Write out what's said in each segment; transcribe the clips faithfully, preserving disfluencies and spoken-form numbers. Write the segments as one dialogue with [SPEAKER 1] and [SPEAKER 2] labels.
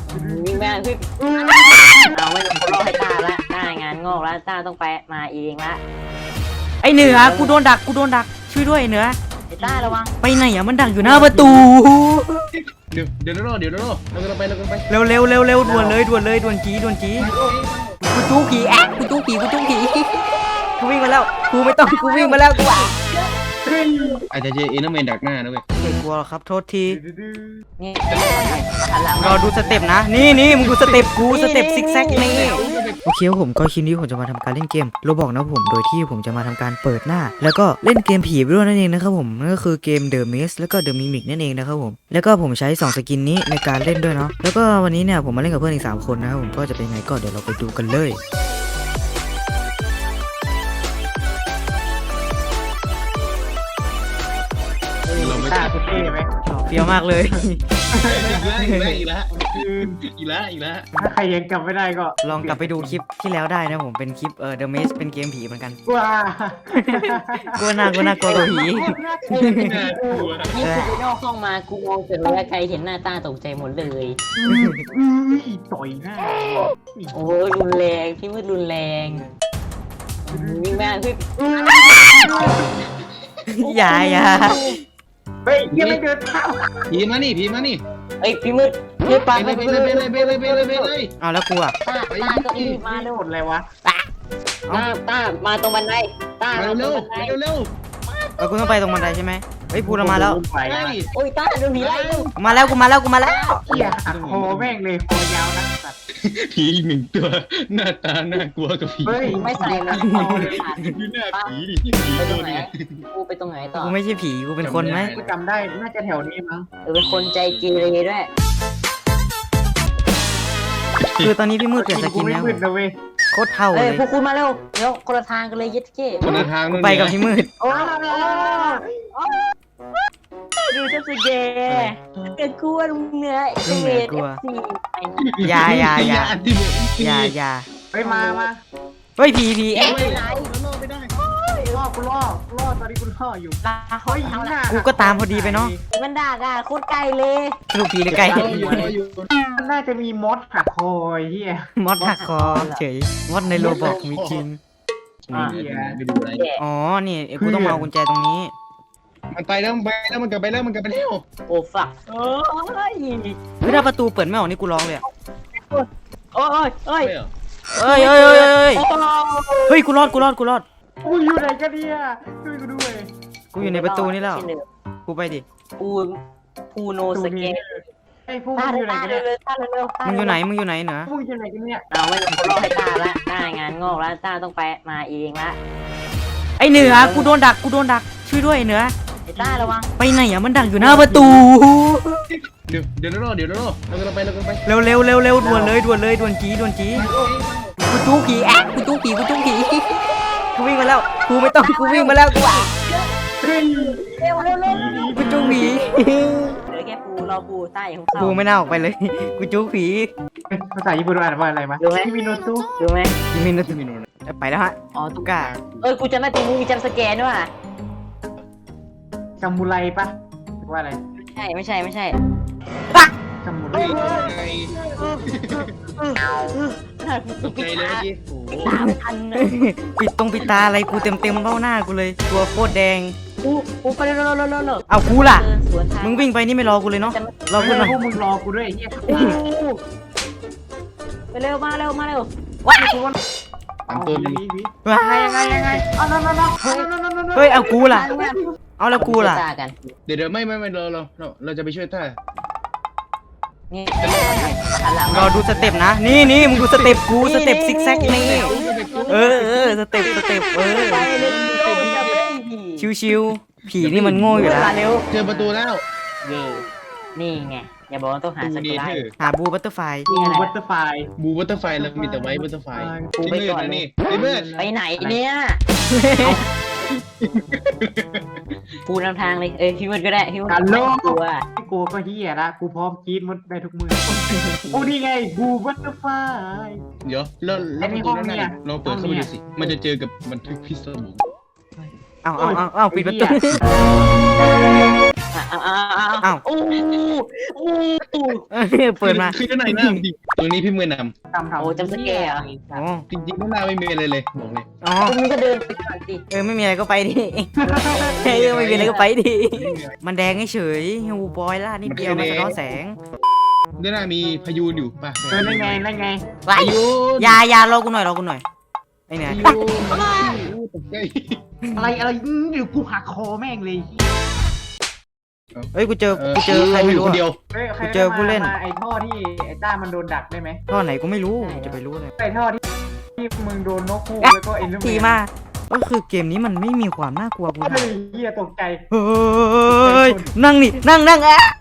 [SPEAKER 1] วิ่งแม่พี่เอาไม่ต้องรอให้ตาละตางานงอกแล้วตาต้องไปมาเองละ
[SPEAKER 2] ไอเหนือกูโดนดักกูโดนดักช่วยด้วยไอเหนือ
[SPEAKER 1] ไอ้ตาระวัง
[SPEAKER 2] ไปไหนอ่ะมันดักอยู่หน้าประตู
[SPEAKER 3] เดี๋ยวเดี๋ยวรอเดี๋ยวรอเรากำลังไปเรากำลังไป
[SPEAKER 2] เร็วเร็วเร็วเร็วด่วนเลยด่วนเลยด่วนจีด่วนจีกูจู้ผีแอ๊ะกูจู้ผีกูจู้ผีกูวิ่งมาแล้วกูไม่ต้องกูวิ่งมาแล้วกูอ่ะ
[SPEAKER 3] อาจจะเจอเอเนอร์แมนดักหน้านะเว้ย
[SPEAKER 2] ไม่กลัวหรอกครับโทษที
[SPEAKER 1] นี่หันหลัง
[SPEAKER 2] รอดูสเต็ปนะ นี่นี่มึงดูสเต็ปกูสเต็ปซิกแซกนี่โอเคครับผมก็คลิปนี้ผมจะมาทำการเล่นเกมโรบอกนะผมโดยที่ผมจะมาทำการเปิดหน้า แล้วก็เล่นเกมผีไปด้วยนั่นเองนะครับผมนั่นก็คือเกม The Maze แล้วก็ The Mimic นั่นเองนะครับผมแล้วก็ผมใช้สองสกินนี้ในการเล่นด้วยเนาะแล้วก็วันนี้เนี่ยผมมาเล่นกับเพื่อนอีกสามคนนะครับผมก็จะเป็นไงก็เดี๋ยวเราไปดูกันเลย
[SPEAKER 3] เราไม่
[SPEAKER 4] ตาคุณเท่ไหม
[SPEAKER 2] เปรี้ยวมากเลย
[SPEAKER 3] อีกแล้วอีกแล้วอีกแล้วอีกแล้ว
[SPEAKER 4] ถ้าใครยังจำไม่ได้ก็
[SPEAKER 2] ลองกลับไปดูคลิปที่แล้วได้นะผมเป็นคลิปเอ่อ The Maze เป็นเกมผีเหมือนกัน
[SPEAKER 4] ว้าก
[SPEAKER 2] ลัวหน้ากลัวหน้ากลัวกับผี
[SPEAKER 3] น่ากลัว
[SPEAKER 1] นี่กูไปนอกห้องมากูมองเสร็จแล้วใครเห็นหน้าตาตกใจหมดเลย
[SPEAKER 4] อุ้ยต่อยหน้า
[SPEAKER 1] โอ้ยรุนแรงพี่มืดรุนแรงวิ่งแม่พี่
[SPEAKER 2] อย่าอย่า
[SPEAKER 4] เฮ้ยยังไม่เดินเท้า
[SPEAKER 3] ผีมานี่ผีมานี่
[SPEAKER 1] เอ้ยพี่มืดพี่ปา
[SPEAKER 3] ไปเลยไปเลยไปเลยไปเลยไปเลยไปเลย
[SPEAKER 2] เอาแล้วกูอ่ะ
[SPEAKER 1] ตาตาก็รีบมาเร็ว
[SPEAKER 4] หมดเลยวะ
[SPEAKER 1] ตาตามาตรงบันไดตา
[SPEAKER 3] มา
[SPEAKER 1] มาตร
[SPEAKER 3] เร็
[SPEAKER 1] ง
[SPEAKER 3] ว
[SPEAKER 1] บันได
[SPEAKER 3] เร็วเร็ว
[SPEAKER 2] เออกูต้องไปตรงบันไดใช่ไหมเฮ้ยพูดมาแล้ว
[SPEAKER 4] ไป
[SPEAKER 3] ไป
[SPEAKER 1] โอ้ยตาโดนผีไล่เร็ว
[SPEAKER 2] กูมาแล้วกูมาแล้วกูมาแล้ว
[SPEAKER 4] เหี้ยหักคอแม่งเลยคอยาวนะสัตว์
[SPEAKER 3] ผีอีกหนึ่งตัวหน้าตาน่ากลัวกับผี
[SPEAKER 4] เฮ้ย
[SPEAKER 1] ไม่ใส่นะ
[SPEAKER 3] ดูหน้าผีดิผี
[SPEAKER 1] ไปตร
[SPEAKER 3] ตั
[SPEAKER 1] ง
[SPEAKER 3] ว
[SPEAKER 1] ไหน
[SPEAKER 3] นี้
[SPEAKER 1] กูไปตรงไหนต่อ
[SPEAKER 2] กูไม่ใช่ผีกูเป็นคนไหม
[SPEAKER 4] กูจำได้น่าจะแถวนี้มั้ง
[SPEAKER 1] เออเป็นคนใจเกเรด้วย
[SPEAKER 2] คือตอนนี้พี่มืดเปลี่ยนสกิน
[SPEAKER 4] ไม่
[SPEAKER 2] แล้ว
[SPEAKER 4] มืดนะเว้ย
[SPEAKER 2] โคตรเท่าเล
[SPEAKER 1] เอ้ย
[SPEAKER 2] ย
[SPEAKER 1] พวกคุณมาเร็วเดี๋ยวคนละทางกันเลยเย็ดเก้
[SPEAKER 3] คนละทาง
[SPEAKER 2] กูไปกับพี่มืด
[SPEAKER 1] โอ้ดูเจ้าสเกย์เกิดกลัวเหนื่อยเอฟซี
[SPEAKER 2] อย่าอย่าอย่า
[SPEAKER 3] ที่
[SPEAKER 2] อย่าอย่า
[SPEAKER 4] เฮ้ยมามา
[SPEAKER 2] เฮ้ยผีผีเอ๊ะ
[SPEAKER 3] ไม่ได้ล่อไม่ได้
[SPEAKER 4] ล่อกูล่อล่อตอนนี้กูล่ออยู่
[SPEAKER 1] ลาเขา
[SPEAKER 4] เฮ้ย
[SPEAKER 1] เอา
[SPEAKER 4] ห
[SPEAKER 1] ละ
[SPEAKER 4] น้า
[SPEAKER 2] กูก็ตามพอดีไปเนาะ
[SPEAKER 1] มันด่าด่าโคตรไกลเลย
[SPEAKER 2] สรุปผีหรือไก่
[SPEAKER 3] ล่ออยู่ล่ออยู่
[SPEAKER 4] มันน่าจะมีมดหักคอไอ้เฮีย
[SPEAKER 2] มอดหักคอเฉยมอดในโรบอกมีจริง
[SPEAKER 3] ไปดูอะไร
[SPEAKER 2] อ๋อนี่กูต้องมาเอากุญแจตรงนี้
[SPEAKER 3] มันไปแล้วมันไปแล้วมันกลับไปแล้วมันกลับไปแล้ว
[SPEAKER 1] โอ้ฝักเอ้ย
[SPEAKER 2] เฮ้ยถ้าประตูเปิดไม่ออกนี่กูร้องเลยอะ
[SPEAKER 1] โอ้ยโอ้ย
[SPEAKER 2] เอ้ยเอ้ยเอ้ยเอ้ยเฮ้ยกูรอดกูรอดกูรอด
[SPEAKER 4] กูอยู่ไหนกันเนี่ยช่วยกูด้วย
[SPEAKER 2] กูอยู่ในประตูนี่แล้วกูไปดิ
[SPEAKER 1] ปูปูโนสเกต
[SPEAKER 4] ไอ้พวก
[SPEAKER 1] ตา
[SPEAKER 4] มึงอยู่ไหน
[SPEAKER 1] ตา
[SPEAKER 4] กัน
[SPEAKER 1] เร็
[SPEAKER 4] เนี่ยว
[SPEAKER 1] ตาเร็ว
[SPEAKER 2] มึงอยู่ไหนมึงอยู่ไหนเหนือ
[SPEAKER 4] พวกมึงอยู่ไหนกันเนี่ย
[SPEAKER 1] เราไม่ต้องรอให้ตาละตางานงอกแล้วตาต้องไปมาเองละ
[SPEAKER 2] ไอเหนือกูโดนดักกูโดนดักช่วยด้วยไอ้เหนือ
[SPEAKER 1] ไอ้ตาระวัง
[SPEAKER 2] ไปไหนอ่ะมันดักอยู่หน้าประตู
[SPEAKER 3] เดี๋ยวเดี๋ยวรอเดี๋ยวรอเรากำลังไปเรากำลังไป
[SPEAKER 2] เร็วเร็วเร็วเร็วด่วนเลยด่วนเลยด่วนจีด่วนจีกูจู้ผีแอ๊ะกูจู้ผีกูจู้ผีกูวิ่งมาแล้วกูไม่ต้องกูวิ่งมาแล้วกูอ่ะ
[SPEAKER 4] เฮ้ย
[SPEAKER 1] เร็วเร็วเร็ว
[SPEAKER 2] กูจู้ผี
[SPEAKER 1] เหลือแค่ปูรอปูใต้ของเขา
[SPEAKER 2] กูไม่น่าออกไปเลยกูจู้ผี
[SPEAKER 4] ภาษาญี่ปุ่นอ่านว่าอะไรมา
[SPEAKER 1] รู้ไหม
[SPEAKER 4] คิมิโนตุ
[SPEAKER 1] ดูไหม
[SPEAKER 2] ยิมิน
[SPEAKER 3] ที่มีโนน
[SPEAKER 2] ไปแล้วฮะ
[SPEAKER 1] อ๋อ
[SPEAKER 2] ตุก้า
[SPEAKER 1] เอ้ยกูจำได้ตรงนี้มีจำสแกนด้วยว่ะ
[SPEAKER 4] ซามูไรปะหรือว่าอะไร
[SPEAKER 1] ใช่ไม่ใช่ไม่ใช่
[SPEAKER 4] ซามูไร
[SPEAKER 3] เฮ้ยตกใจเลยเมื่อกี้โอ้โห
[SPEAKER 1] ตามทันนะ
[SPEAKER 2] ปิดตรงปิดตาอะไรกูเต็มเต็มเบ้าหน้ากูเลยตัวโคตรแดง
[SPEAKER 1] ปูปูไปเร็วเร็วเร็วเร็วเร็ว
[SPEAKER 2] เอากูล่ะ
[SPEAKER 1] เดินสวนทาง
[SPEAKER 2] มึงวิ่งไปนี่ไม่รอกูเลยเนาะรอ
[SPEAKER 4] พ
[SPEAKER 2] กูหน่อย
[SPEAKER 4] วกมึงรอกูด้วยไอ้เฮีย
[SPEAKER 1] ไปเร็วมาเร็วมาเร็ว
[SPEAKER 2] ว้าย
[SPEAKER 3] ตามตัวนี้
[SPEAKER 2] ว้า
[SPEAKER 4] ยังไงยังไงเอานั่นนั่นนั่น
[SPEAKER 2] เฮ้ยเอากูล่ะเอาแล้วกูล่ะ
[SPEAKER 1] ตากัน
[SPEAKER 3] เดี๋ยวเดี๋ยวไม่ไม่ไม่เราเราเราเราจะไปช่วยต้า
[SPEAKER 1] นี่หันหลัง
[SPEAKER 2] รอดูสเต็ปนะนี่นี่มึงดูสเต็ปกูสเต็ปซิกแซกนี่เออเออสเต็ปสเต็ปเออ
[SPEAKER 1] ไปเร็วจะไปผี
[SPEAKER 2] ชิวๆผีนี่มันโง่อยู่แล้ว
[SPEAKER 1] มาเร็ว
[SPEAKER 3] เจอประตูแล้ว
[SPEAKER 1] เย่นี่ไงอย่าบอกว่าต้องหา
[SPEAKER 3] ตู
[SPEAKER 1] ส
[SPEAKER 3] เด
[SPEAKER 1] กุล
[SPEAKER 3] เธอร์
[SPEAKER 2] หาบูบัตเตอร์ไฟ
[SPEAKER 4] บูบัตเตอร์ไฟ
[SPEAKER 3] บูบัตเตอร์ไฟแล้วมีแต่ไว้บัตเตอร์ไฟ
[SPEAKER 1] ปูไปก่อน
[SPEAKER 3] นี่ไอ้เบิร์ด
[SPEAKER 1] ไปไหนเนี่ยปูนำทางเลยเอ้ยพี่มืดก็ได้พี่มืด
[SPEAKER 4] ฮัลโหล
[SPEAKER 1] กลัว
[SPEAKER 4] กูก็เฮียละกูพร้อมกรีดมดได้ทุกมือโอ้นี่ไงบูบัตเตอร์ไฟ
[SPEAKER 3] เดี๋ยวแล้วแล้วประตูนั่นน่ะลองเปิดเข้าไปดูสิมันจะเจอกับบันทึกพิศวง
[SPEAKER 2] เอาเอาเอาเอาปิดประตู
[SPEAKER 1] หาอ้าวอ้าวอ้าว
[SPEAKER 2] อ้าว
[SPEAKER 1] โอ้โอ้
[SPEAKER 2] เปิดมา
[SPEAKER 3] คือด้านในหน้าจริงตรงนี้พี่มือนำ
[SPEAKER 4] ทำทำ
[SPEAKER 1] โอ้จำสแกร์เหรอ
[SPEAKER 2] อ๋อ
[SPEAKER 3] จริงๆด้านหน้าไม่มีอะไรเลยบอกเลย
[SPEAKER 2] อ๋อ
[SPEAKER 1] คุณมึงก็เดินไปก่อนสิ
[SPEAKER 2] เออไม่มีอะไรก็ไปดิเออไม่มีอะไรก็ไปดิมันแดงเฉยๆฮูบอยล่านิดเดียวมันสะท้อนแสง
[SPEAKER 3] ด้านหน้ามีพายุอยู่ป่ะ
[SPEAKER 4] เออนั่นไงนั่นไง
[SPEAKER 2] ไป
[SPEAKER 3] พายุ
[SPEAKER 2] ยายารอกูหน่อยรอกูหน่อยไอ้เนี่ย
[SPEAKER 3] พายุตกใจ
[SPEAKER 4] อะไรอะไรอื้อเดี๋ยวกูหักคอแม่งเลย
[SPEAKER 2] เอ้ยกูเจอกูเจอใครไม่รู้
[SPEAKER 3] คนเดีย
[SPEAKER 2] อะ
[SPEAKER 3] ว
[SPEAKER 4] เฮ้ยใคร
[SPEAKER 2] กูเจอผู้เล่น
[SPEAKER 4] มาไอ้ท่อที่ไอ้ต้ามันโดนดักได้ไหม
[SPEAKER 2] ท่อไหนกูไม่รู้จะไปรู้เลย
[SPEAKER 4] ไอ้ท่อที่ที่มึงโดนนกฮูกแล้วก็เอ็นลูก
[SPEAKER 2] ทีมาก็คือเกมนี้มันไม่มีความน่ากลัวกู
[SPEAKER 4] เฮ้
[SPEAKER 2] นะ
[SPEAKER 4] ยเฮียตกใจ
[SPEAKER 2] เฮ้ยนั่งนี่นั่งนั่งอ่ะ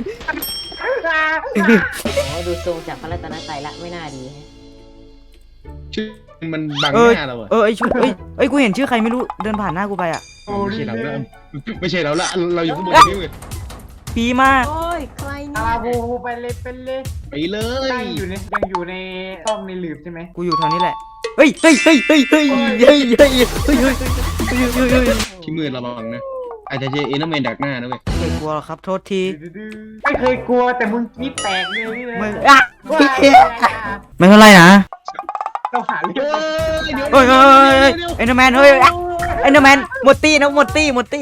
[SPEAKER 1] โอ้ดูทรงจากพระรัตนตรัยละไม่น่าดีฮะ
[SPEAKER 3] ชื่อมันบัง
[SPEAKER 2] เอ
[SPEAKER 3] ห
[SPEAKER 2] อ
[SPEAKER 3] น้าเราอะ
[SPEAKER 2] เออไอชื่อเอ้ยเอ้ยกูเห็นชื่อใครไม่รู้เดินผ่านหน้ากูไปอ่ะ
[SPEAKER 4] โอ้
[SPEAKER 3] ไม่
[SPEAKER 4] ย
[SPEAKER 3] ใช่เราละไม่ใช่เราละเราอยู่ข้างบนนี่เว้ย
[SPEAKER 2] พีมา
[SPEAKER 1] โอ้ยใคร
[SPEAKER 4] อา
[SPEAKER 1] เนี่ย
[SPEAKER 4] บูไปเลยเป็นเลย
[SPEAKER 3] ไปเล
[SPEAKER 4] ตั้
[SPEAKER 3] ย
[SPEAKER 4] งอยู่ในยังอยู่ในห้องในหลืบใช่ไหม
[SPEAKER 2] กูอยู่แถวนี้แหละเฮ้ยเฮ้ยเฮ้ยเฮ้ยเฮ้ยเฮ้ยเฮ้ยเฮ้ยเฮ้ยเฮ้ยเฮ้ยเฮ้ยเฮ้ย
[SPEAKER 3] ที่มือระวังนะอาจจะเจอเอเนอร์แมนดักหน้านะเว้ย
[SPEAKER 2] ไม่กลัวหรอกครับโทษที
[SPEAKER 4] ไม่เคยกลัวแต่มึงกรีดแตกเลยนี่
[SPEAKER 2] ไม่
[SPEAKER 4] เลย
[SPEAKER 2] อ่ะ
[SPEAKER 4] ว่า
[SPEAKER 2] ไม่เท่าไรนะ
[SPEAKER 4] เราหาเรื่อง
[SPEAKER 2] เฮ้ยเฮ้ยเอ็นเดอร์แมนเฮ้ยเอ็นเดอร์แมนหมดตี้นะหมดตี้หมดตี้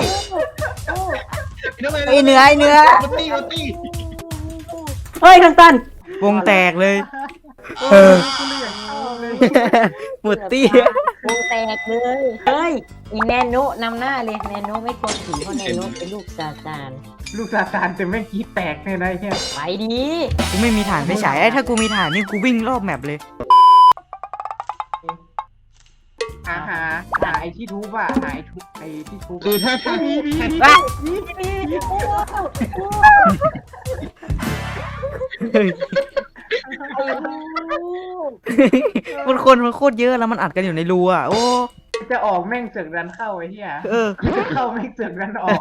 [SPEAKER 2] ไอ้เนื้อไอ้เนื้อ
[SPEAKER 3] มันตีมันตี
[SPEAKER 1] เฮ้ยทันตัน
[SPEAKER 2] วงแตกเลย
[SPEAKER 4] เออกูเลยอยากเข้าเลย
[SPEAKER 2] หมดตี้
[SPEAKER 1] วงแตกเลยเฮ้ยอีแนโนนำหน้าเลยแนโนไม่ควรถือเพราะแนโนเป็นลูกซาตาน
[SPEAKER 4] ลูกซาตานแต่แม่งกรีดแตกเลยนะไอ้เนี่ย
[SPEAKER 1] ไปดี
[SPEAKER 2] กูไม่มีฐานไปฉายไอ้ถ้ากูมีฐานนี่กูวิ่งรอบแมปเลย
[SPEAKER 4] หาหาหาไอ้ที่ทุบอะหาไอ้ทุบไอ้ที่ทุบ
[SPEAKER 3] คือถ้าถ้า
[SPEAKER 4] มีมีมี
[SPEAKER 2] อ่ะ มันคนมันโคตรเยอะแล้วมันอัดกันอยู่ในรูอ่ะโอ้
[SPEAKER 4] จะออกแม่งเสือกดันเข้าไอ้เหี้ย
[SPEAKER 2] เออ
[SPEAKER 4] จะเข้าแม่งเสือกดันออก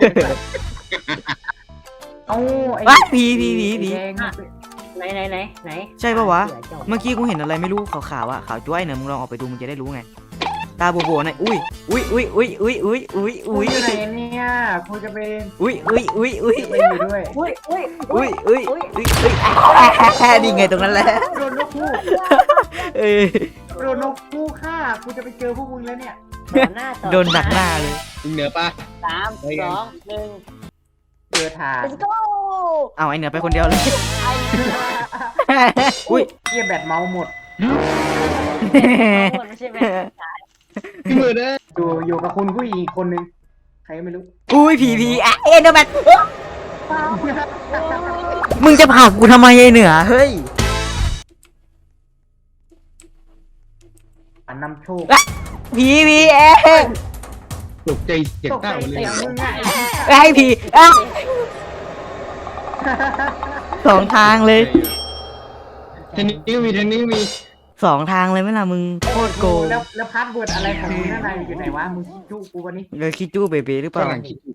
[SPEAKER 4] เอาไอ้
[SPEAKER 2] ว้าผีผีผีผี
[SPEAKER 4] แดงมันเป็น
[SPEAKER 1] ไหนไหนไหนไหน
[SPEAKER 2] ใช่ปะวะ
[SPEAKER 1] เสือจบ
[SPEAKER 2] เมื่อกี้กูเห็นอะไรไม่รู้ขาวๆอ่ะขาวจ้วยเนี่ยมึงลองออกไปดูมึงจะได้รู้ไงตาโบๆหน่อยอุ้ยอุ้ยอุ้ยอุ้ยอุ้ยอุ้ยอุ้ย
[SPEAKER 4] กู
[SPEAKER 2] อุ้ย
[SPEAKER 4] อยู่ไหนเนี่ยกูจะไป
[SPEAKER 2] อุ้ยอุ้ยอุ้ยอุ้ย
[SPEAKER 4] จะไปอยู่ด้วย
[SPEAKER 1] อุ้ยอุ้ย
[SPEAKER 2] อุ้ยอุ้ยอุ้ยอุ้ยอุ้ยนี่ไงตรงนั้นแหละ
[SPEAKER 4] โดนนกคู่
[SPEAKER 2] เออ
[SPEAKER 4] โดนนกคู่ฆ่ากูจะไปเจอพวกมึงแล้วเนี่ย
[SPEAKER 1] ต่อหน้าต่อ
[SPEAKER 2] โดนดักหน้าเลย
[SPEAKER 3] มึงเหนือปะ
[SPEAKER 1] สามสองหนึ่ง
[SPEAKER 4] เจอทาง
[SPEAKER 1] let's go
[SPEAKER 2] เอาไอเหนือไปคนเดียวเลย
[SPEAKER 1] ไอ้
[SPEAKER 2] อุ้ย
[SPEAKER 4] เกียแบตเมาส์หมด
[SPEAKER 1] ไม่ใช่ไหม
[SPEAKER 3] พี่มือนะ
[SPEAKER 4] อยู่อยู่กับคุณผู้หญิงอีกคนนึงใครก็ไม่รู้
[SPEAKER 2] อุ้ยผีผีอ่ะเอ็นเดอร์แมนมึงจะผลักกูทำไมไอเหนือเฮ้ย
[SPEAKER 4] อันนำโชค
[SPEAKER 2] ผีผีเอ๊ะ
[SPEAKER 3] ตกใจเสียง
[SPEAKER 4] ตกใจ
[SPEAKER 3] เต้าเลย
[SPEAKER 4] เสียงมึงไง
[SPEAKER 2] ไอผีอ่ะสองทางเลย
[SPEAKER 3] ทางนี้ก็มีทางนี้ก็มี
[SPEAKER 2] สองทางเลยไหมล่ะมึงโคตรโกง
[SPEAKER 4] แล้วแล้วพาสเวิร์ดอะไรของมึงข้างในอยู่ไหนวะมึงคิดจุกูวันนี้
[SPEAKER 2] เลยคิดจู้เบเบหรือเปล่า
[SPEAKER 3] ฝรั่งคิดอยู่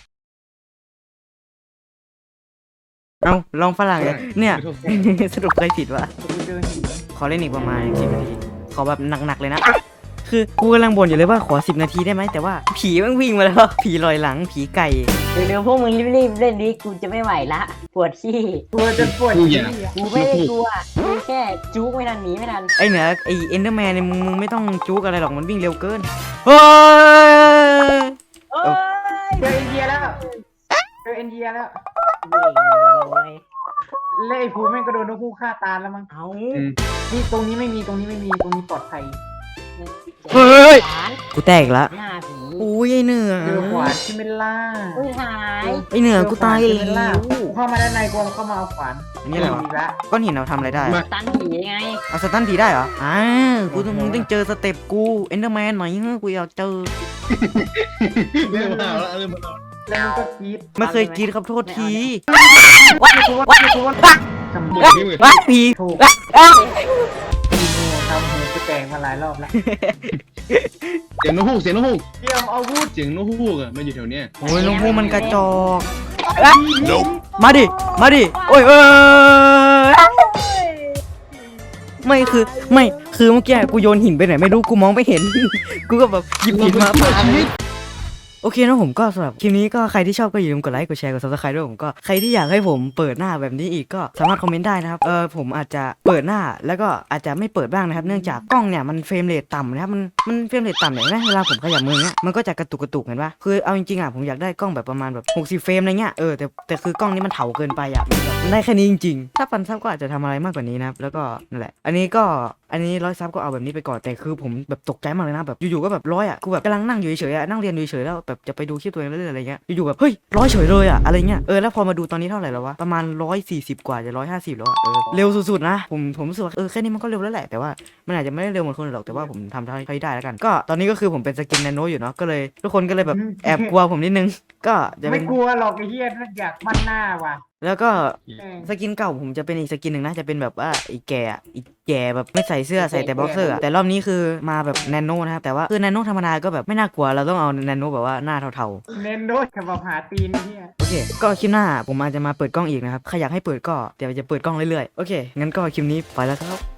[SPEAKER 2] เอาลองฝรั่งเลยเนี่ย
[SPEAKER 3] ไม่โทษ
[SPEAKER 2] สรุปใครผิดวะ
[SPEAKER 4] กูเจอหิน
[SPEAKER 2] ขอเล่นอีกประมาณสิบนาที ขอแบบหนักๆเลยนะ คือกูกำลังบ่นอยู่เลยว่าขอสิบนาทีได้ไหมแต่ว่าผีมันวิ่งมาแล้ว ผีลอยหลังผีไก่
[SPEAKER 1] เดี๋ยวพวกมึงรีบๆเล่นดิกูจะไม่ไหวละปวดขี้
[SPEAKER 4] กลัวจนปวด
[SPEAKER 3] กูอ
[SPEAKER 4] ขี้
[SPEAKER 3] ย่า
[SPEAKER 4] อะ
[SPEAKER 1] กูไม่ได้กลัวกูแค่จุกไม่ทันหนีไม่ทัน
[SPEAKER 2] ไอเหนือไอเอนเดอร์แมนเนี่ยมึงมึงไม่ต้องจุกอะไรหรอกมันวิ่งเร็วเกินเฮ้ย
[SPEAKER 1] โอ้ย
[SPEAKER 4] เจอเอ็นเดียแล้วเจอเอ็นเดียแล้ว
[SPEAKER 1] โอ้ย
[SPEAKER 4] แล้วไอ้ภูแม่งก็โดนนกคู่ฆ่าตายแล้วมั้ง
[SPEAKER 1] เอา
[SPEAKER 3] อืม
[SPEAKER 4] นี่ตรงนี้ไม่มีตรงนี้ไม่มีตรงนี้ปลอดภัย
[SPEAKER 2] เฮ้ย
[SPEAKER 1] หลาน
[SPEAKER 2] กูแตกอีกละ
[SPEAKER 1] หน้าผี
[SPEAKER 2] อุ้ยไอเหนือ
[SPEAKER 4] เจอขวานที่ไม่ล่า
[SPEAKER 1] อุ้ยหาย
[SPEAKER 2] ไอเหนือกูตาย
[SPEAKER 4] เจ
[SPEAKER 2] แล้
[SPEAKER 4] อขวานที่ไม่ล่าว กูเข้ามาด้านในกูเข้ามาเอาขวาน
[SPEAKER 2] อันนี้อะไรวะ
[SPEAKER 4] อีกแล้ว
[SPEAKER 2] ก้อนหินเราทำอะไรได้อะ
[SPEAKER 1] ตันผีไง
[SPEAKER 2] เอาสตันผีได้เหรออ่ากูต้องมึงต้องเจอสเต็ปกูเอนเดอร์แมนหน่อยเฮ้ยกูอยากเจอ
[SPEAKER 3] เริ่มมาแล้วเริ่มมาแล้ว
[SPEAKER 4] แล้วมึงก็กรีด
[SPEAKER 2] ไม่เคยกินครับโทษที
[SPEAKER 4] วัดกูวัดกูวัดทำ
[SPEAKER 3] หม
[SPEAKER 4] โ
[SPEAKER 3] ดพี่มือ
[SPEAKER 2] ว้าผี
[SPEAKER 4] ถูก
[SPEAKER 2] อ่ะ
[SPEAKER 4] ทำหูกูแตกมาหลายรอบแล้ว
[SPEAKER 3] เสียงนกฮูกเสียงนกฮูก
[SPEAKER 4] เตรียมอาวุธ
[SPEAKER 3] เสียงนกฮูกอะมันอยู่แถวเนี้ย
[SPEAKER 2] โอ้ยลุงพูมันกระจอกอ่ะมาดิ มาดิ โอ้ยเออไม่คือ ไม่ คือเมื่อกี้กูโยนหินไปไหนไม่รู้ กูมองไม่เห็น กูก็แบบหยิบหินมาปาเลยโอเคนะผมก็สำหรับคลิปนี้ก็ใครที่ชอบก็อย่าลืมกดไลค์กดแชร์กด ซับสไครบ์ ด้วยผมก็ใครที่อยากให้ผมเปิดหน้าแบบนี้อีกก็สามารถคอมเมนต์ได้นะครับเออผมอาจจะเปิดหน้าแล้วก็อาจจะไม่เปิดบ้างนะครับเนื่องจากกล้องเนี่ยมันเฟรมเรทต่ำนะครับมันมันเฟรมเรทต่ำเนี่ยนะเวลาผมขยับมือเงี้ยมันก็จะกระตุกกระตุกเห็นปะคือเอาจริงๆอ่ะผมอยากได้กล้องแบบประมาณแบบหกสิบเฟรมอะไรเงี้ยเออแต่แต่คือกล้องนี้มันเถาเกินไปอ่ะมันแบบมันได้แค่นี้จริงๆถ้าปันซับก็อาจจะทำอะไรมากกว่านี้นะครับแล้วก็นั่นแหละอันนี้ก็อันนี้ร้อยซับก็เอาแบบนี้ไปก่อนแต่คือผมแบบตกใจมากเลยนะแบบอยู่ๆก็แบบร้อยอ่ะกูแบบกำลังนั่งอยู่เฉยๆอ่ะนั่งเรียนอยู่เฉยๆแล้วแบบจะไปดูคลิปตัวเองเรื่อยๆอะไรเงี้ยอยู่ๆแบบเฮ้ยร้อยเฉยเลยอ่ะอะไรเงี้ยเออแล้วพอมาดูตอนนี้เท่าไหร่แล้ววะประมาณร้อยสี่สิบกว่าจะร้อยห้าสิบแล้วอ่ะเออเร็วสุดๆนะผมผมรู้สึกว่าเออแค่นี้มันก็เร็วแล้วแหละแต่ว่ามันอาจจะไม่ได้เร็วเหมือนคนอื่นหรอกแต่ว่าผมทำเท่าที่ได้แล้วกันก็ตอนนี้ก็คือผมเป็นสกินแนโนอยู่เนาะก็เลยทุกคนก็เลยแบบแอบกลัวผมนิดนึงก็จะเป็
[SPEAKER 4] ไม่
[SPEAKER 3] Dạ.
[SPEAKER 2] น
[SPEAKER 4] กลัวหรอกไอ้เหี้ยถ้าอยากมั่นหน้าว่ะ
[SPEAKER 2] แล้วก็
[SPEAKER 4] แม่ง
[SPEAKER 2] สกินเก่าผมจะเป็นอีกสกินหนึ่งนะจะเป็นแบบว่าอีแก่อะอีแก่แบบไม่ใส่เสื้อใส่แต่บ็อกเซอร์อะแต่รอบนี้คือมาแบบแนโนนะครับแต่ว่าคือแนโนธรรมดาก็แบบไม่น่ากลัวเราต้องเอาแนโนแบบว่าหน้าเทา
[SPEAKER 4] เน้นด้วยกับแบบหาตีนไอ้เหี้ย
[SPEAKER 2] ๆโอเคก็คลิปหน้าผมอาจจะมาเปิดกล้องอีกนะครับใครอยากให้เปิดก็เดี๋ยวจะเปิดกล้องเรื่อยๆโอเคงั้นก็คลิปนี้ไปแล้วครับ